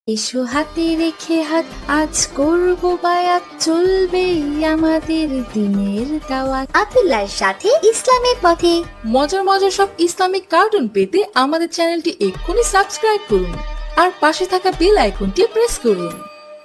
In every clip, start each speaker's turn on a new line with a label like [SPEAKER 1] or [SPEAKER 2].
[SPEAKER 1] এসো হাতে রেখে হাত, আজ করবো বায়াত, চলবেই আমাদের দিনের দাওয়াত।
[SPEAKER 2] আব্দুল্লাহর সাথে ইসলামের পথে।
[SPEAKER 1] মজার মজার সব ইসলামিক কার্টুন পেতে আমাদের চ্যানেলটি এক্ষুনি সাবস্ক্রাইব করুন আর পাশে থাকা বেল আইকনটি প্রেস করুন।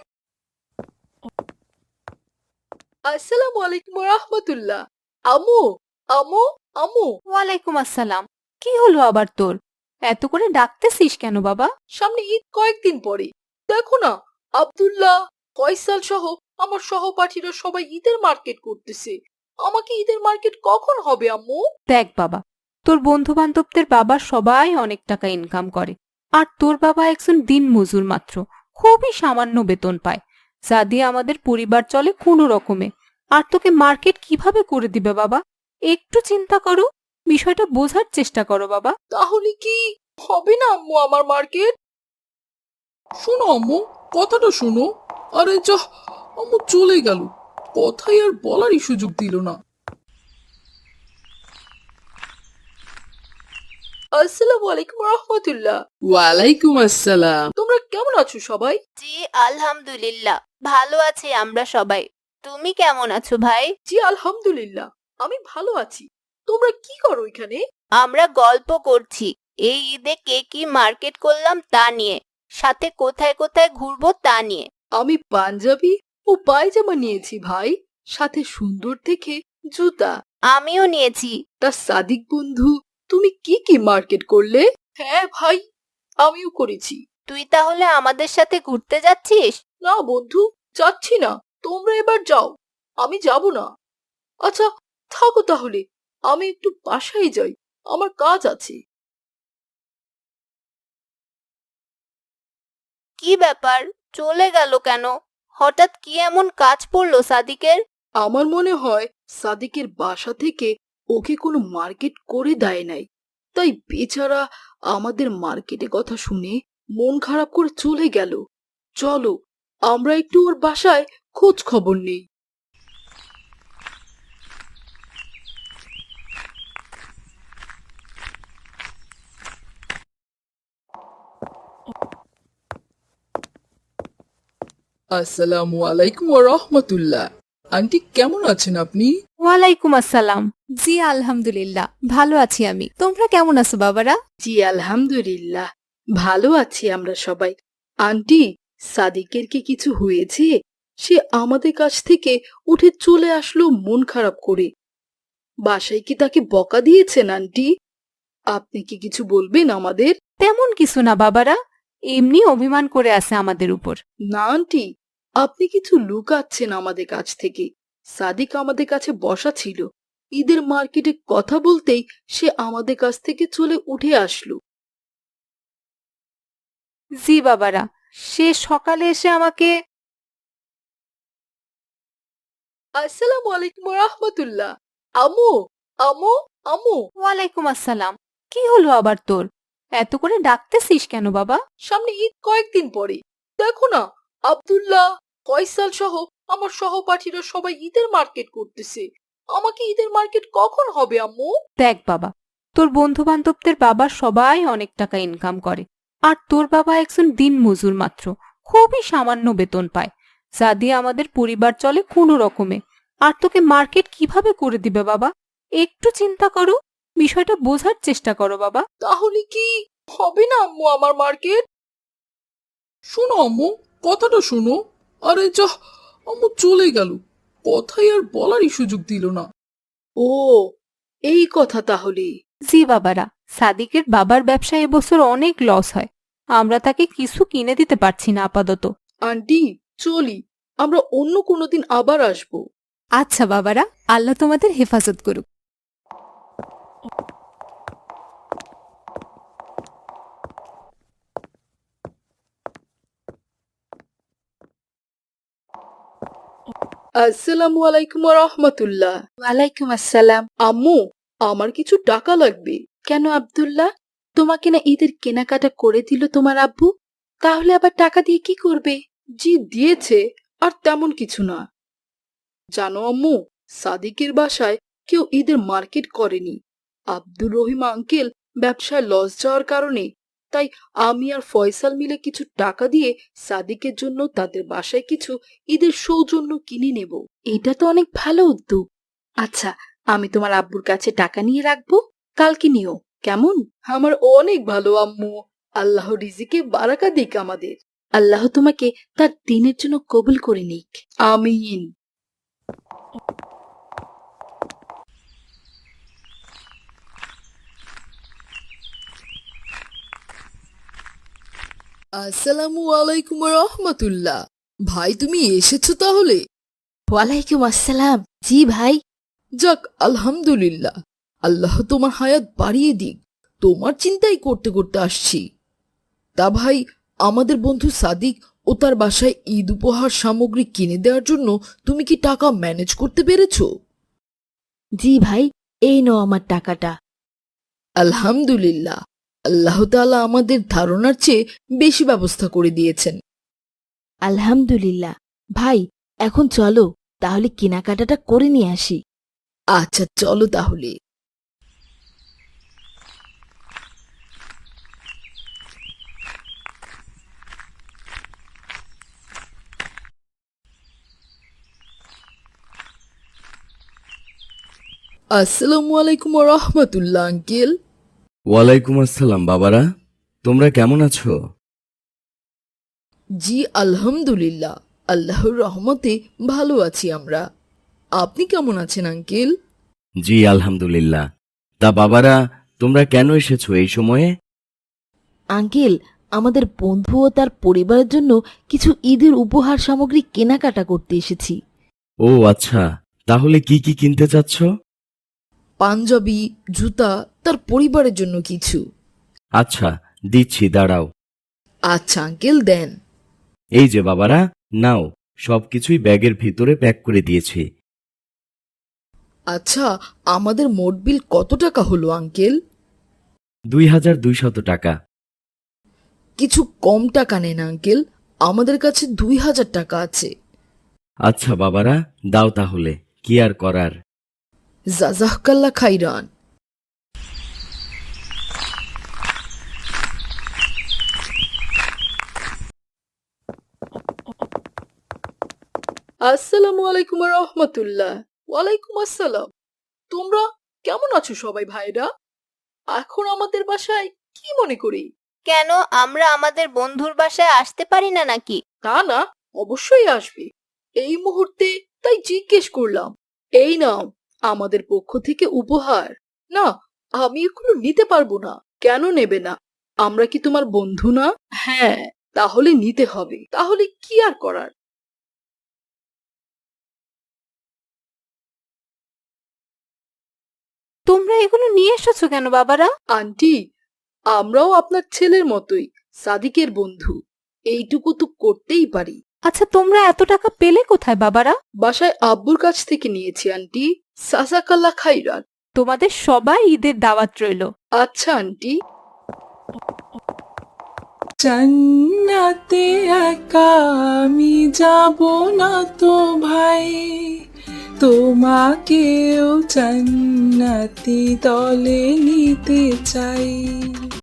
[SPEAKER 1] আসসালামু আলাইকুম রাহমাতুল্লাহ। আমু, আমু, আমু।
[SPEAKER 3] ওয়ালাইকুম আসসালাম। কি হলো আবার তোর? এত করে ডাকতেছিস কেন বাবা?
[SPEAKER 1] সামনে ঈদ কয়েকদিন পরে, দেখো না, আব্দুল্লাহ, ফয়সাল সহ আমার সহপাঠীরা সবাই ঈদের মার্কেট করতেছে। আমাকে ঈদের মার্কেট কখন হবে আম্মু?
[SPEAKER 3] দেখ বাবা, তোর বন্ধু বান্ধবদের বাবা সবাই অনেক টাকা ইনকাম করে, আর তোর বাবা একজন দিনমজুর মাত্র, খুবই সামান্য বেতন পায়, যা দিয়ে আমাদের পরিবার চলে কোনো রকমে। আর তোকে মার্কেট কিভাবে করে দিবে বাবা? একটু চিন্তা করো, বিষয়টা বোঝার চেষ্টা করো বাবা।
[SPEAKER 1] তাহলে কি হবে না আম্মু আমার মার্কেট? শোনো আম্মু, কথাটা শোনো। আরে যা, আম্মু চলে গেল, কথাই আর বলারই সুযোগ দিল না। আসসালামু আলাইকুম রাহমাতুল্লাহ। ওয়ালাইকুম আসসালাম। তোমরা কেমন আছো সবাই?
[SPEAKER 3] জি আলহামদুলিল্লাহ, ভালো আছি আমরা সবাই। তুমি কেমন আছো ভাই?
[SPEAKER 1] জি আলহামদুলিল্লাহ, আমি ভালো আছি। তোমরা কি করো এখানে?
[SPEAKER 3] আমরা গল্প করছি এই ঈদে কে কি মার্কেট করলাম তা নিয়ে, সাথে কোথায় কোথায় ঘুরবো তা নিয়ে।
[SPEAKER 1] আমি পাঞ্জাবি ও পায়জামা নিয়েছি ভাই, সাথে সুন্দর দেখে জুতা।
[SPEAKER 3] আমিও নিয়েছি।
[SPEAKER 1] তা সাদিক বন্ধু, তুমি কি কি মার্কেট করলে? হ্যাঁ ভাই, আমিও করেছি।
[SPEAKER 3] তুই তাহলে আমাদের সাথে ঘুরতে যাচ্ছিস?
[SPEAKER 1] না বন্ধু, যাচ্ছি না। তোমরা এবার যাও, আমি যাব না। আচ্ছা, থাকো তাহলে, আমি একটু বাসায় যাই, আমার কাজ আছে।
[SPEAKER 3] কি ব্যাপার, চলে গেল কেন? হঠাৎ কি এমন কাজ পড়লো সাদিকের?
[SPEAKER 1] আমার মনে হয় সাদিকের বাসা থেকে ওকে কোনো মার্কেট করে দেয় নাই, তাই বেচারা আমাদের মার্কেটে কথা শুনে মন খারাপ করে চলে গেল। চলো, আমরা একটু ওর বাসায় খোঁজ খবর নেই। আসসালামু আলাইকুম ওয়া রাহমাতুল্লাহ। আন্টি কেমন আছেন আপনি?
[SPEAKER 3] ওয়ালাইকুম আসসালাম। জি আলহামদুলিল্লাহ, ভালো আছি আমি। তোমরা কেমন আছো বাবারা?
[SPEAKER 1] জি আলহামদুলিল্লাহ, ভালো আছি আমরা সবাই। আন্টি, সাদিকের কি কিছু হয়েছে? সে আমাদের কাছ থেকে উঠে চলে আসলো মন খারাপ করে। বাসায় কি তাকে বকা দিয়েছেন আন্টি? আপনি কি কিছু বলবেন আমাদের?
[SPEAKER 3] তেমন কিছু না বাবারা, এমনি অভিমান করে আছে আমাদের উপর।
[SPEAKER 1] না আন্টি, আপনি কিছু লুকাচ্ছেন আমাদের কাছ থেকে। সাদিক আমাদের কাছে বসা ছিল, ঈদের মার্কেটে কথা বলতেই সে আমাদের কাছ থেকে চলে উঠে আসলো।
[SPEAKER 3] জি বাবারা, সে সকালে এসে আমাকে।
[SPEAKER 1] আসসালামু আলাইকুম রাহমাতুল্লাহ। আমু, আমু, আমু।
[SPEAKER 3] ওয়ালাইকুম আসসালাম। কি হলো আবার তোর? এত করে ডাকতেছিস কেন বাবা?
[SPEAKER 1] সামনে ঈদ কয়েকদিন পরে, দেখো না, আব্দুল্লাহ, ফয়সাল সহ আমার সহপাঠীরা সবাই ঈদের মার্কেট করতেছে। আমাকে ঈদের মার্কেট কখন হবে আম্মু?
[SPEAKER 3] দেখ বাবা, তোর বন্ধু বান্ধবদের বাবা সবাই অনেক টাকা ইনকাম করে, আর তোর বাবা একজন দিনমজুর মাত্র, খুবই সামান্য বেতন পায়, যা দিয়ে আমাদের পরিবার চলে কোনো রকমে। আর তোকে মার্কেট কিভাবে করে দিবে বাবা? একটু চিন্তা করো, বিষয়টা বোঝার চেষ্টা করো বাবা।
[SPEAKER 1] তাহলে কি হবে না আম্মু আমার মার্কেট? শোনো আম্মু, কথাটা শোনো। আরে যা, আম্মু চলে গেল, কথাই আর বলারই সুযোগ দিল না। ও, এই কথা তাহলে।
[SPEAKER 3] জি বাবারা, সাদিকের বাবার ব্যবসায় এবছর অনেক লস হয়, আমরা তাকে কিছু কিনে দিতে পারছি না আপাতত।
[SPEAKER 1] আন্টি, চলি, আমরা অন্য কোনোদিন আবার আসবো।
[SPEAKER 3] আচ্ছা বাবারা, আল্লাহ তোমাদের হেফাজত করুক।
[SPEAKER 1] আসসালামু আলাইকুম রহমতুল্লাহ।
[SPEAKER 2] ওয়ালাইকুম আসসালাম।
[SPEAKER 1] আম্মু, আমার কিছু টাকা লাগবে।
[SPEAKER 2] কেন আব্দুল্লাহ, তোমাকে না ঈদের কেনাকাটা করে দিল তোমার আব্বু? তাহলে আবার টাকা দিয়ে কি করবে?
[SPEAKER 1] জি দিয়েছে, আর তেমন কিছু না। জানো আম্মু, সাদিকের বাসায় কেউ ঈদের মার্কেট করেনি। আব্দুর রহিম আঙ্কেল ব্যবসায় লস যাওয়ার কারণে তাই আমি আর ফয়সাল মিলে কিছু টাকা দিয়ে সাদিকের জন্য তাদের বাসায় কিছু ঈদের সৌজন্য কিনে নেব।
[SPEAKER 2] এটা তো অনেক ভালো উদ্যোগ। আচ্ছা, আমি তোমার আব্বুর কাছে টাকা নিয়ে রাখবো, কালকে নিও, কেমন?
[SPEAKER 1] আমার অনেক ভালো আম্মু, আল্লাহ রিজিকে বারাকা দিক আমাদের।
[SPEAKER 2] আল্লাহ তোমাকে তার দিনের জন্য কবুল করে নিক।
[SPEAKER 1] আমিন। আসসালামু আলাইকুম রহমতুল্লাহ। ভাই তুমি এসেছো তাহলে?
[SPEAKER 2] ওয়ালাইকুম আসসালাম। জি ভাই।
[SPEAKER 1] যাক আলহামদুলিল্লাহ, আল্লাহ তোমার হায়াত বাড়িয়ে দিক। তোমার চিন্তাই করতে করতে আসছি। তা ভাই, আমাদের বন্ধু সাদিক ও তার বাসায় ঈদ উপহার সামগ্রী কিনে দেওয়ার জন্য তুমি কি টাকা ম্যানেজ করতে পেরেছো?
[SPEAKER 2] জি ভাই, এই নাও আমার টাকাটা।
[SPEAKER 1] আলহামদুলিল্লাহ, আল্লাহ তাআলা আমাদের ধারণার চেয়ে বেশি ব্যবস্থা করে দিয়েছেন।
[SPEAKER 2] আলহামদুলিল্লাহ। ভাই, এখন চলো তাহলে কেনাকাটাটা করে নিয়ে আসি।
[SPEAKER 1] আচ্ছা চলো তাহলে। আসসালামু আলাইকুম রহমতুল্লাহ আঙ্কেল।
[SPEAKER 4] ওয়ালাইকুম আসসালাম বাবারা, তোমরা কেমন আছো?
[SPEAKER 1] জি আলহামদুলিল্লাহ, আল্লাহর রহমতে ভালো আছি আমরা। আপনি কেমন আছেন আঙ্কেল?
[SPEAKER 4] জি আলহামদুলিল্লাহ। তা বাবারা, তোমরা কেন এসেছো এই সময়ে?
[SPEAKER 2] আঙ্কেল, আমাদের বন্ধু ও তার পরিবারের জন্য কিছু ঈদের উপহার সামগ্রী কেনাকাটা করতে এসেছি।
[SPEAKER 4] ও আচ্ছা, তাহলে কি কি কিনতে চাচ্ছ?
[SPEAKER 1] পাঞ্জাবি, জুতা, তার পরিবারের জন্য কিছু।
[SPEAKER 4] আচ্ছা দিচ্ছি, দাঁড়াও।
[SPEAKER 1] আচ্ছা আঙ্কেল দেন।
[SPEAKER 4] এই যে বাবারা, নাও, সবকিছুই ব্যাগের ভিতরে প্যাক করে দিয়েছি।
[SPEAKER 1] আচ্ছা, আমাদের মোট বিল কত টাকা হলো আঙ্কেল?
[SPEAKER 4] 2200 টাকা।
[SPEAKER 1] কিছু কম টাকা নেন আঙ্কেল, আমাদের কাছে 2000 টাকা আছে।
[SPEAKER 4] আচ্ছা বাবারা, দাও তাহলে, কি আর করার।
[SPEAKER 1] জাজাকাল্লাহ খাইরান। আসসালামু আলাইকুম রহমতুল্লাহ। ওয়ালাইকুম আসসালাম। তোমরা কেমন আছো সবাই ভাইরা? এখন আমাদের বাসায় কি মনে করি?
[SPEAKER 5] কেন আমরা আমাদের বন্ধুর বাসায় আসতে পারি না নাকি?
[SPEAKER 1] তা না, অবশ্যই আসবে। এই মুহূর্তে তাই জিজ্ঞেস করলাম। এই নাও আমাদের পক্ষ থেকে উপহার। না, আমি এগুলো নিতে পারবো না। কেন নেবে না? আমরা কি তোমার বন্ধু না? হ্যাঁ, তাহলে নিতে হবে। তাহলে কি আর করার।
[SPEAKER 3] তোমরা এগুলো নিয়ে এসেছো কেন বাবারা?
[SPEAKER 1] আন্টি, আমরাও আপনার ছেলের মতোই সাদিকের বন্ধু, এইটুকু তো করতেই পারি।
[SPEAKER 3] আচ্ছা, তোমরা এত টাকা পেলে কোথায় বাবারা?
[SPEAKER 1] বাসায় আব্বুর কাছ থেকে নিয়েছি আন্টি। সাজাকাল্লাহ খাইরান।
[SPEAKER 3] তোমাদের সবাই ঈদের দাওয়াত রইলো।
[SPEAKER 1] আচ্ছা আন্টি।
[SPEAKER 6] জান্নাতে একা আমি যাব না তো ভাই, তোমাকেও জান্নাতি দলে নিতে চাই।